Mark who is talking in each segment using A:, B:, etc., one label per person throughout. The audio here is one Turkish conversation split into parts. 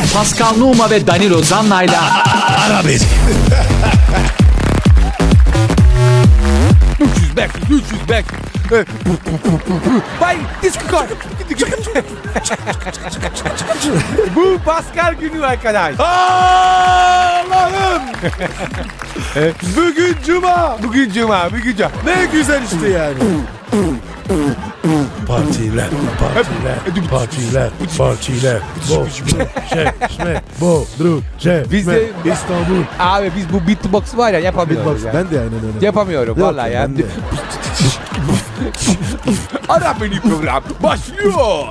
A: Pascal Numa ve Danilo Zanna'yla
B: Ara beni.
C: 300 back, 300 back. Bay diskor. Bu Pascal günü arkadaş.
B: Allah'ım. Bugün cuma.
C: Bugün cuma.
B: Ne güzel işte yani. Partiler. Bodrum,
C: Biz de-
B: İstanbul.
C: Abi biz bu beatbox var ya yapamıyoruz.
B: Beatbox.
C: Ya.
B: Ben de aynen öyle.
C: Yapamıyorum
B: Yok,
C: vallahi ya.
B: ben de.
C: Ara beni program başlıyor.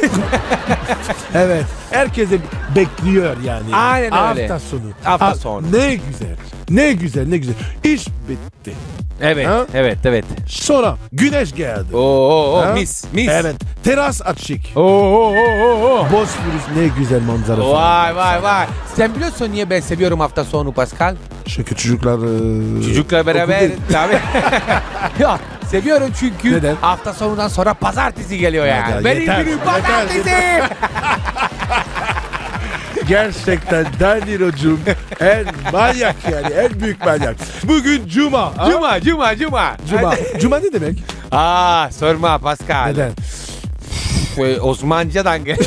B: Evet. Herkese bekliyor yani.
C: Aynen öyle.
B: Hafta sonu.
C: Hafta sonu.
B: Ne güzel. Ne güzel. İş bitti.
C: Evet,
B: Ha?
C: evet.
B: Sonra güneş geldi.
C: Oo,
B: Ha?
C: mis.
B: Evet. Teras açık.
C: Oo.
B: Bosphorus ne güzel manzara.
C: Vay. Sen biliyorsun niye ben seviyorum hafta sonu Pascal?
B: Çünkü çocuklar...
C: Çocukla beraber
B: okul değil.
C: tabii. Ya seviyorum çünkü
B: Neden?
C: hafta sonundan sonra pazartesi geliyor yani.
B: Ya,
C: Benim
B: yeter,
C: günüm
B: yeter,
C: pazartesi.
B: Gerçekten Danilo'cum en manyak yani. En büyük manyak. Bugün cuma. ha?
C: Cuma.
B: Cuma ne demek?
C: Sorma Pascal.
B: Neden?
C: Osmanlıcadan gel.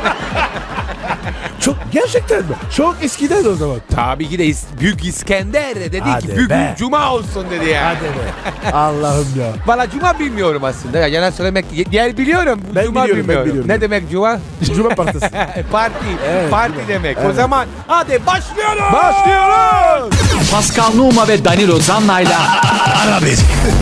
B: Çok gerçekten mi? Çok eskiden o zaman.
C: Tabii ki de Büyük İskender dedi
B: Hadi
C: ki bugün
B: be.
C: cuma olsun dedi ya.
B: Hadi be. Allah'ım ya.
C: Valla cuma bilmiyorum aslında. Ya, yalan söylemek yer biliyorum.
B: Ben
C: Cuma
B: biliyorum, ben
C: bilmiyorum.
B: biliyorum.
C: Ne demek cuma?
B: Cuma partisi.
C: Parti.
B: Evet,
C: Parti
B: cuma.
C: demek. O
B: Evet.
C: zaman hadi başlıyoruz.
B: Başlıyoruz.
A: Pascal Numa ve Danilo Zanna'yla
B: Ara beni.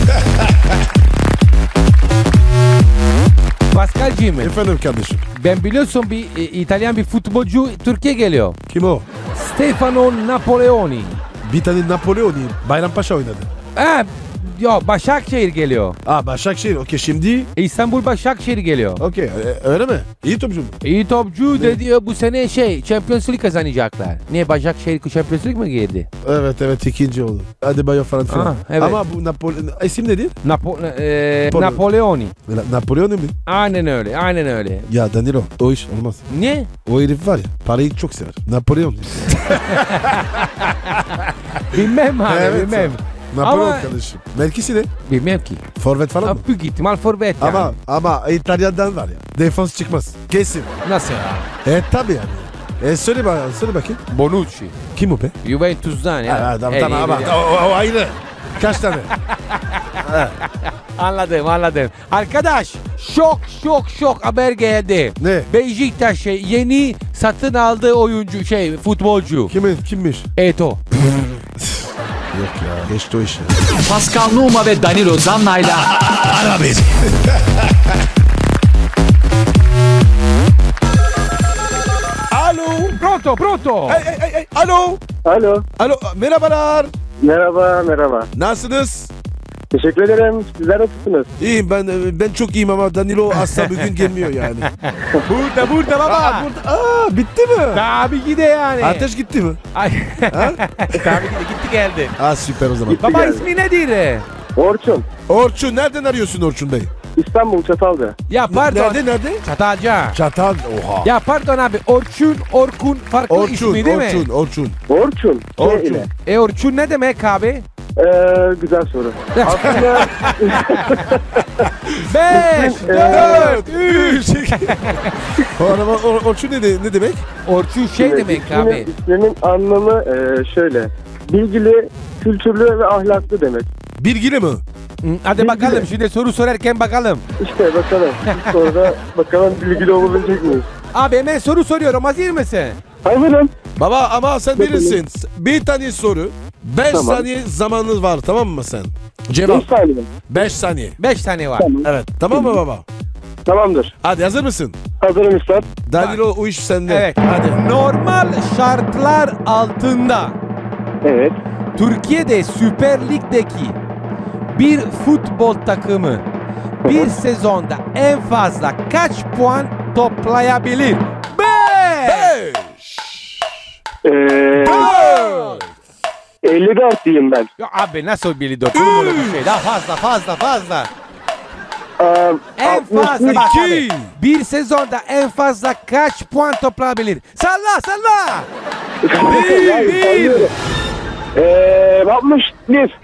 C: Pascal'cığım
B: Efendim kardeşim.
C: ben biliyorsun bir İtalyan bir futbolcu Türkiye geliyor.
B: Kim o?
C: Stefano Napoleoni.
B: Bir tane Napoleon'u Bayrampaşa oynadı.
C: Başakşehir geliyor.
B: Başakşehir. Okey şimdi.
C: İstanbul Başakşehir geliyor.
B: Okey öyle mi? İyi topçu mu?
C: İyi topçu dedi bu sene Champions League kazanacaklar. Niye Başakşehir Champions League mi girdi?
B: Evet ikinci oldu. Hadi Bayo falan filan.
C: Aha, evet.
B: Ama bu isim nedir?
C: Napoleoni.
B: Napoleon mu?
C: Aynen öyle.
B: Ya Danilo o iş olmaz.
C: Ne?
B: O herif var ya parayı çok sever. Napolyon.
C: Bilmem abi
B: Evet,
C: bilmem.
B: Napolyon
C: Ama-
B: kardeşim. Mevkisi ne?
C: Bilmem ki.
B: Forvet falan mı?
C: Büyük ihtimal forvet yani.
B: Ama İtalyan'dan var ya. Defans çıkmaz. Kesin.
C: Nasıl ya?
B: Tabii yani. Söyle bakayım.
C: Bonucci.
B: Kim o be?
C: Juventus'dan ya.
B: Tamam ama o ayrı. Kaç tane?
C: Anladım. Arkadaş şok haber geldi.
B: Ne?
C: Beşiktaş yeni satın aldığı oyuncu futbolcu.
B: Kimmiş?
C: Eto.
B: Yok ya. Geçti o iş ya.
A: Pascal Numa ve Danilo Zanna'yla
B: Ara beni. Alo.
C: Pronto.
B: Hey. Alo.
D: Alo,
B: Merhabalar.
D: merhaba.
B: Nasılsınız?
D: Teşekkür ederim. Sizler nasılsınız?
B: İyiyim ben çok iyiyim ama Danilo asla bugün gelmiyor yani.
C: Burada baba.
B: Bitti mi?
C: Tabii ki de yani.
B: Ateş gitti mi?
C: Ay. Tabii ki de gitti geldi.
B: Süper o zaman.
C: Baba
D: geldi.
C: ismi nedir?
D: Orçun,
B: Orçun nereden arıyorsun Orçun Bey?
D: İstanbul Çatalca.
C: Ya pardon.
B: Nerede?
C: Çatalca.
B: Çatal. Oha.
C: Ya pardon abi Orkun farklı ismi değil mi?
B: Orçun.
D: Orçun.
B: Orçun.
D: Ile.
C: Orçun ne demek abi?
D: Güzel soru. Aslında
C: 5, 4, 3.
B: Orçun ne demek?
C: Orçun demek abi.
D: isminin anlamı şöyle. Bilgili, kültürlü ve ahlaklı demek.
B: Bilgili mi?
C: Hadi bakalım şimdi soru sorarken bakalım.
D: İşte bakalım. İlk soruda bakalım bilgili olabilecek miyiz?
C: Abi hemen soru soruyorum hazır mısın?
D: Hazırım.
B: Baba ama sen bilirsin. Bir tane soru. 5
D: Tamam.
B: saniye zamanınız var tamam mı sen?
D: 5
B: Cevap.
D: saniye.
B: 5 saniye.
C: 5 tane var.
D: Tamam.
B: Evet. Tamam mı baba?
D: Tamamdır.
B: Hadi hazır mısın?
D: Hazırım üstad.
B: Danilo o iş sende.
C: Evet.
B: Hadi.
C: Normal şartlar altında
D: Evet.
C: Türkiye'de Süper Lig'deki bir futbol takımı bir sezonda en fazla kaç puan toplayabilir? 5.
D: 54 diyeyim ben.
C: Ya abi nasıl biliyor? Olur mu bir şey? Daha fazla. En fazla bak
B: İki.
C: abi, bir sezonda en fazla kaç puan toplayabilir? Salla salla.
B: Bir.
D: 61.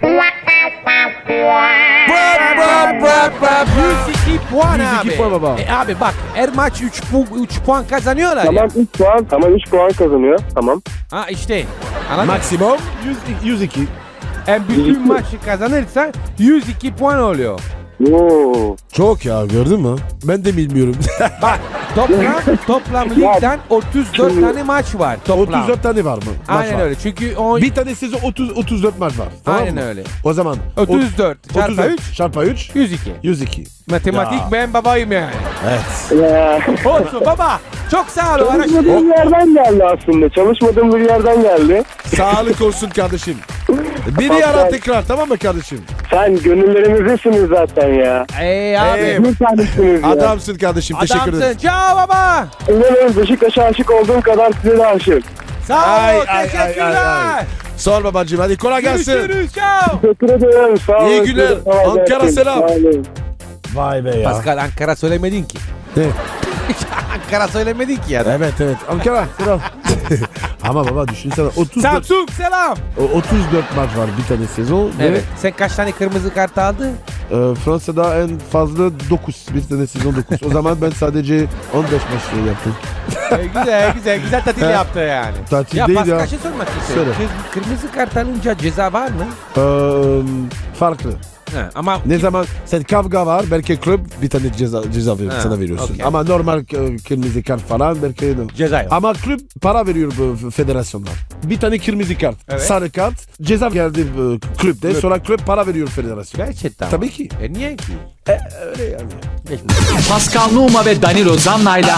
C: 102 puan
B: 102
C: abi.
B: puan baba.
C: Abi bak her maç 3 puan kazanıyorlar ya.
D: Tamam 3 puan. Tamam 3 puan kazanıyor. Tamam.
C: Ha işte. Anladın mı?
B: Maksimum 102.
C: Bütün maçı kazanırsa 102 puan oluyor.
D: Oo.
B: Çok ya, gördün mü? Ben de bilmiyorum.
C: Bak toplam ligden 34 tane maç var toplam.
B: 34 tane var mı? Maç
C: Aynen
B: var.
C: öyle. Çünkü o
B: Bir tanesi 34 maç var. Tamam
C: aynen
B: mı?
C: öyle.
B: O zaman
C: 34 çarpı
B: 34
C: 3
B: çarpı 3
C: 102.
B: 102.
C: Matematik
B: Ya.
C: ben babayım yani.
B: Evet.
D: Ya.
C: Olsun baba. Çok sağ ol.
D: Çalışmadığım bir yerden geldi aslında. Çalışmadığım bir yerden geldi.
B: Sağlık olsun kardeşim. Biri
D: Pascal.
B: ara tekrar, tamam mı kardeşim?
D: Sen gönüllerimizdesiniz zaten ya.
C: Abi.
D: Bir tanesiniz ya.
B: Adamsın kardeşim, teşekkür
C: Adamsın.
B: ederim.
C: Ciao baba.
D: İnanın Beşiktaş'a aşık olduğum kadar size de aşık.
C: Sağ
B: Ay,
C: ol.
B: ay, ay,
C: Teşekkürler.
B: ay, ay. Sor babacığım, hadi kolay gelsin.
C: Görüşürüz. Ciao.
D: Teşekkür ederim. Sağ olun.
B: İyi günler.
D: Kolay
B: Ankara
D: gelsin.
B: selam.
D: Sağ olun.
B: Vay be ya.
C: Pascal Ankara söylemedin ki.
B: Ne?
C: Ankara söylemedin ki ya da.
B: Evet evet, Ankara selam. Ama baba düşünsene 34,
C: Samsung selam.
B: 34 maç var bir tane sezon.
C: Evet. Sen kaç tane kırmızı kart aldın?
B: Fransa'da en fazla 9. Bir tane sezon 9. O zaman ben sadece 15 maç yaptım.
C: Güzel tatil yaptı yani.
B: Tatil
C: Ya
B: değil
C: Pascal
B: ya.
C: şey sormak istiyorum.
B: Söyle.
C: Kırmızı kart alınca ceza var mı?
B: Farklı.
C: Ha, ama
B: Ne zaman sen kavga var, belki kulüp bir tane ceza
C: Ha,
B: sana veriyorsun.
C: okey.
B: Ama normal kırmızı kart falan belki
C: ceza yok.
B: ama kulüp para veriyor bu federasyonlar. Bir tane kırmızı kart,
C: Evet.
B: sarı kart, ceza geldi kulüpte. Sonra kulüp para veriyor federasyona.
C: Gerçekten.
B: Tabii ki.
C: Niye ki?
B: Öyle yani.
A: Pascal Numa ve Danilo Zanna'yla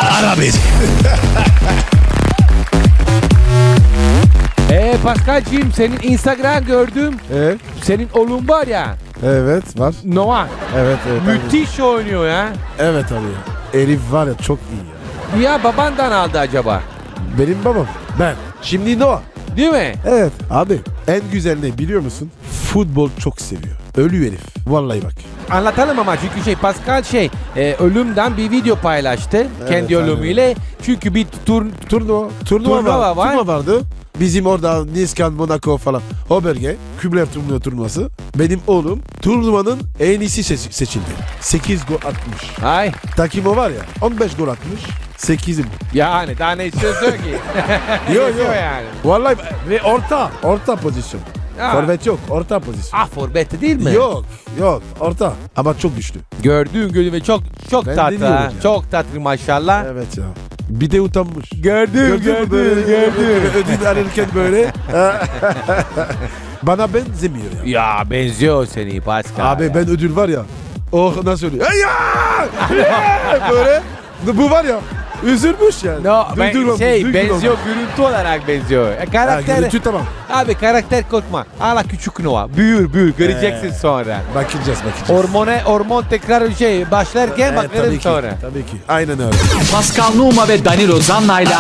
C: Pascal'cığım senin Instagram gördüm. Senin oğlun var ya.
B: Evet var.
C: Noah.
B: Evet evet.
C: Müthiş oynuyor ya.
B: Evet abi. Elif var ya, çok iyi ya.
C: Ya babandan aldı acaba?
B: Benim babam. Ben. Şimdi Noah.
C: Değil mi?
B: Evet. Abi en güzel ne biliyor musun? Futbol çok seviyor. Ölü herif. Vallahi bak.
C: Anlatalım ama çünkü Pascal ölümden bir video paylaştı. Kendi
B: aynen.
C: ölümüyle. Çünkü bir
B: Turnuva
C: Turnuva var.
B: Turnuva vardı. Bizim orada Niskan, Monaco falan. O bölge. Kübler turnuvası. Benim oğlum turnuvanın en iyisi seçildi. 8 gol atmış.
C: Ay
B: Takimo var ya 15 gol atmış. 8'im.
C: yani daha ne istiyorsun ki?
B: Yok
C: Yetiyor yani.
B: Vallahi ve orta pozisyon.
C: Ha.
B: Forvet yok, orta pozisyon.
C: Ah forbetti değil mi?
B: Yok orta ama çok güçlü.
C: Gördüğün gibi çok
B: Ben
C: tatlı.
B: deniyorum
C: Ha.
B: ya.
C: Çok tatlı maşallah.
B: Evet ya. Bir de utanmış.
C: Gördüm
B: Ödül alırken böyle. Bana benzemiyor ya.
C: Ya benziyor seni Pascal.
B: Abi ben ödül var ya. Oh nasıl oluyor? Ay ya! Böyle. Bu var ya. Üzülmüş yani.
C: No, ben
B: Duygulanmış,
C: benziyor görüntü olarak benziyor.
B: Ha,
C: Karakter
B: görüntü tamam.
C: abi karakter korkma. Hala küçük Noah. Büyür göreceksin sonra.
B: Bakacağız.
C: Hormon tekrar başlarken bakarım
B: tabii ki,
C: sonra.
B: Tabii ki. Aynen öyle.
A: Pascal Numa ve Danilo Zanna'yla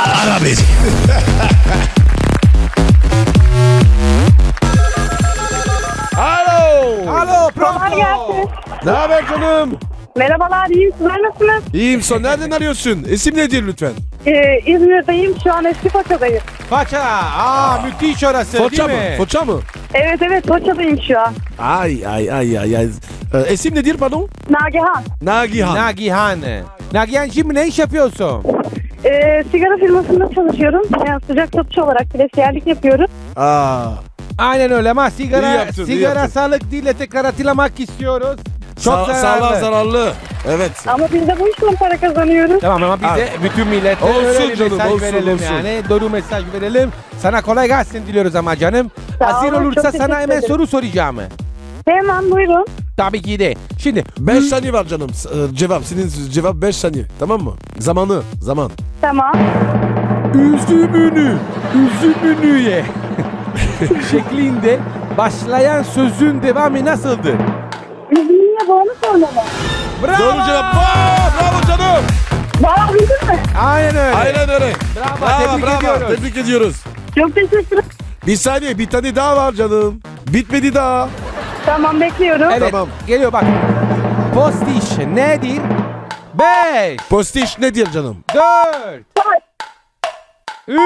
C: Alo
E: Kolay gelsin.
B: Ne haber canım?
E: Merhabalar, iyiyim. Sizler nasılsınız?
B: İyiyim son. Nereden arıyorsun? İsim nedir lütfen?
E: İzmir'deyim. Şu an eski Foça'dayım.
C: Paça. Müthiş orası
B: Foça
C: değil
B: mı?
C: mi?
B: Foça mı?
E: Evet, Foça'dayım şu an.
B: Ay. İsim nedir pardon?
E: Nagihan.
B: Nagihan.
C: Nagihan'cığım ne iş yapıyorsun?
E: Sigara firmasında çalışıyorum. Yani sıcak satıcı olarak bilesiyerlik yapıyorum.
C: Aynen öyle ama
B: İyi yaptın, iyi yaptın.
C: sağlık değil de tekrar hatırlamak istiyoruz. Çok
B: Sağlığa zararlı. Evet.
E: Ama biz de bu işle para kazanıyoruz.
C: Tamam ama biz de bütün millete
B: Olsun
C: öyle bir
B: canım,
C: mesaj
B: olsun,
C: verelim
B: olsun.
C: yani. Doğru mesaj verelim. Sana kolay gelsin diliyoruz ama canım.
E: Sağ
C: Hazır
E: olun,
C: olursa
E: çok
C: sana
E: teşekkür
C: hemen
E: ederim.
C: soru soracağım.
E: Hemen buyurun.
C: Tabii ki de. Şimdi
B: 5 saniye var canım. Cevap. Senin cevap 5 saniye. Tamam mı? Zaman.
E: Tamam.
C: üzümünü ye şeklinde başlayan sözün devamı nasıldır?
E: Üzümüne bağlı sormalı.
C: Bravo!
B: Doğru cevap. Bravo canım.
E: Valla bildin mi?
C: Aynen öyle.
B: Aynen öyle.
C: Bravo, tebrik ediyoruz.
B: Tebrik ediyoruz.
E: Çok teşekkür ederim.
B: Bir saniye, bir tane daha var canım. Bitmedi daha.
E: Tamam, bekliyorum.
C: Evet,
B: Tamam.
C: geliyor bak. Postiş nedir? 5,
B: Postiş nedir canım?
C: 4, 3,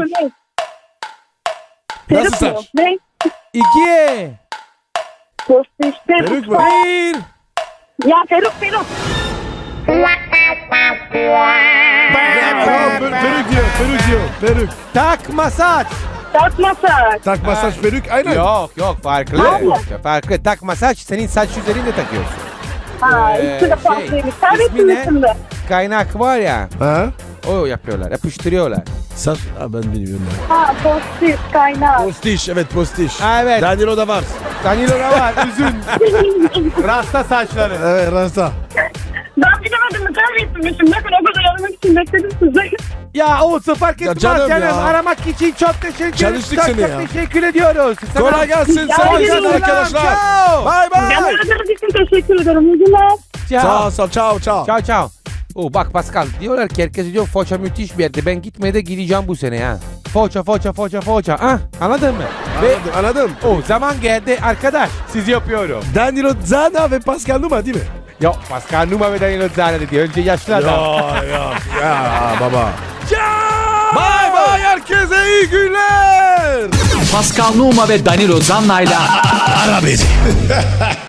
B: Nasıl
E: Peruk mu?
B: saç?
E: Ne?
C: 2,
E: Postiş,
B: Peruk
E: peruk.
B: mu?
C: 1.
E: Ya peruk.
B: Peruk diyor, peruk diyor, peruk.
C: Takma saç.
E: Takma saç.
B: Takma saç peruk aynen.
C: Yok farklı.
E: Vallahi.
C: Farklı. Takma saç senin saç üzerinde takıyorsun.
E: Ha, üstü de farklıymış. Servetin üstünde.
C: Kaynak var ya.
B: Ha?
C: O yapıyorlar. Yapıştırıyorlar.
B: Saç, ben bilmiyorum.
E: Ha, postiş, kaynak.
B: Postiş, evet postiş.
C: Evet.
B: Danilo da var.
C: Danilo var. Üzün. Rasta saçları.
B: Evet rasta.
E: Ben bilemedim mi? Servetinmişim. Bakın o kadar aramak için bekledim size.
C: Ya olsun fark
B: Ya
C: etmez
B: canım
C: canım.
B: ya.
C: Aramak için çok teşekkür
B: Çalıştık
C: çok,
B: seni
C: çok
B: ya.
C: teşekkür ediyoruz. Sana-
B: Kolay gelsin.
E: Ya,
B: Sağ olun
E: selam,
B: arkadaşlar.
C: ciao.
B: Bye
E: Ben
B: bye.
E: aradığınız için teşekkür ederim. İyi günler.
B: Sağ ol, ciao ciao.
C: Ciao ciao. Oo bak Pascal diyorlar ki herkes diyor Foça müthiş bir yerde. Ben gitmeye de gideceğim bu sene ha. Foça. Ah anladın mı? Ve
B: Anladım.
C: o zaman geldi arkadaş. Sizi yapıyorum.
B: Danilo Zana ve Pascal Numa değil mi?
C: Yok Pascal Numa ve Danilo Zane dedi. Önce yaşlı adam.
B: Ya baba. Bye bye herkese iyi günler.
A: Pascal Numa ve Danilo Zanna'yla
B: Ara beni.